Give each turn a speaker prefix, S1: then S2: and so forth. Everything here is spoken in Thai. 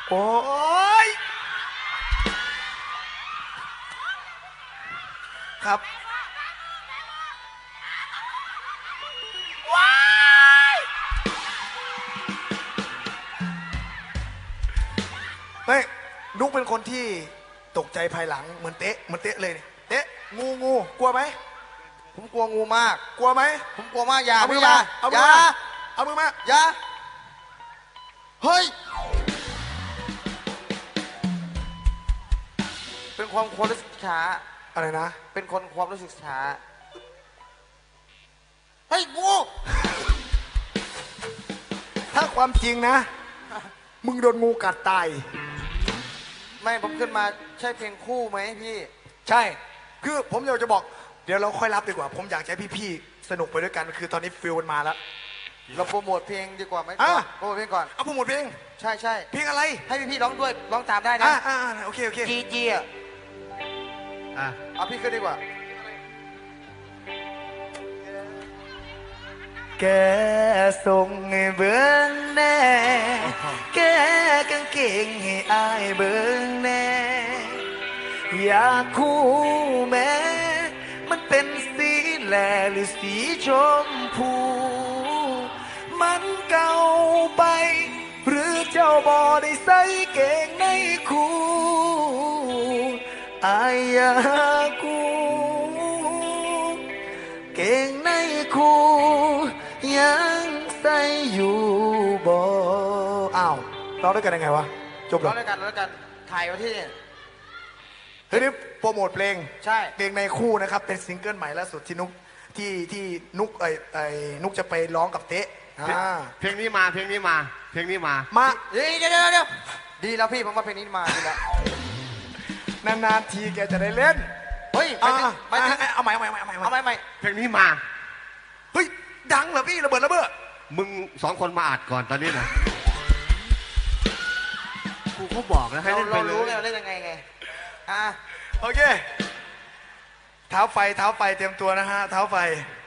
S1: โอ้ยครับว้ายไม่นุ๊กเป็นคนที่ตกใจภายหลังเหมือนเตะเลยเนี่ยเตะงูกลัวไหม
S2: ผมกลัวงูมาก
S1: กลัวไหม
S2: ผมกลัวมากอย่า
S1: เอามือ
S2: อย่า
S1: มาเอามื
S2: อย่า
S1: อมาเอามือมา
S2: อย่าเฮ้ยเป็นความรู้สึกช้า
S1: อะไรนะ
S2: เป็นคนความรู้สึกช้าเฮ้ยงู
S1: ถ้าความจริงนะ มึงโดนงูกัดตาย
S2: ไม่ผมขึ้นมาใช่เพลงคู่ไหมพี่
S1: ใช่ คือผมอยากจะบอก เดี๋ยวเราค่อยรับดีกว่า ผมอยากให้พี่ๆ สนุกไปด้วยกัน คือตอนนี้ฟิลมันมาแล้ว
S2: เราโปรโมทเพลงดีกว่าไหม
S1: อ่ะ
S2: โปรโมทเพลงก่อน
S1: เอาโปรโมทเพลง
S2: ใช่ใช่
S1: เพลงอะไร
S2: ให้พี่ร้องด้วยร้องตามได้นะ
S1: โอเค
S2: จีจีอ่ะ
S3: อ่ะ
S2: เอาพี่ขึ้นดีกว่า
S1: แกส่งให้เบิ้งแน่ แกกางเกงให้อายเบิ้งแน่ อยากคู่แม้ มันเป็นสีแหลหรือสีชมพู มันเก่าไป หรือเจ้าบอได้ใส่เกงในคู่อายอยากคู่เกงในคู่ยังใส่อยู่บ่อ้าวร้องด้วยกันยังไงวะ จบ
S2: ร้
S1: แล้
S2: อ
S1: ว
S2: งด้วยกันร้องด้วยกันถ่ายไว้ที่นี่
S1: เฮ้ยนี่โปรโมทเพลง
S2: ใช่
S1: เพลงในคู่นะครับ เป็นซิงเกิลใหม่ล่าสุดที่นุกที่นุกนุกจะไปร้องกับเต๊ะ
S3: เพลงนี้มาเพลงนี้มาเพลงนี้มา
S1: มา
S2: เดี๋ยวดีแล้วพี่ผมว่าเพลงนี้มาดีแล้ว
S1: นานๆทีแกจะได้เล่น
S2: เฮ้ย
S1: อ่ะ
S2: ไม่ถึง
S1: เอาใหม่
S2: เอาไม่
S3: เพลงนี้มา
S1: เฮ้ยดังเหรอพี่ระเบิดระเบ้อ
S3: มึงสองคนมาอัดก่อนตอนนี้นะกูเขาบอกแล้วให้
S2: เรา
S3: เล่นไป
S2: เรา
S3: เล
S2: รู้ไง
S3: ย
S2: เราเล่นยังไงอ่ะ
S1: โอเคเท้าไฟเตรียมตัวนะฮะเท้าไฟ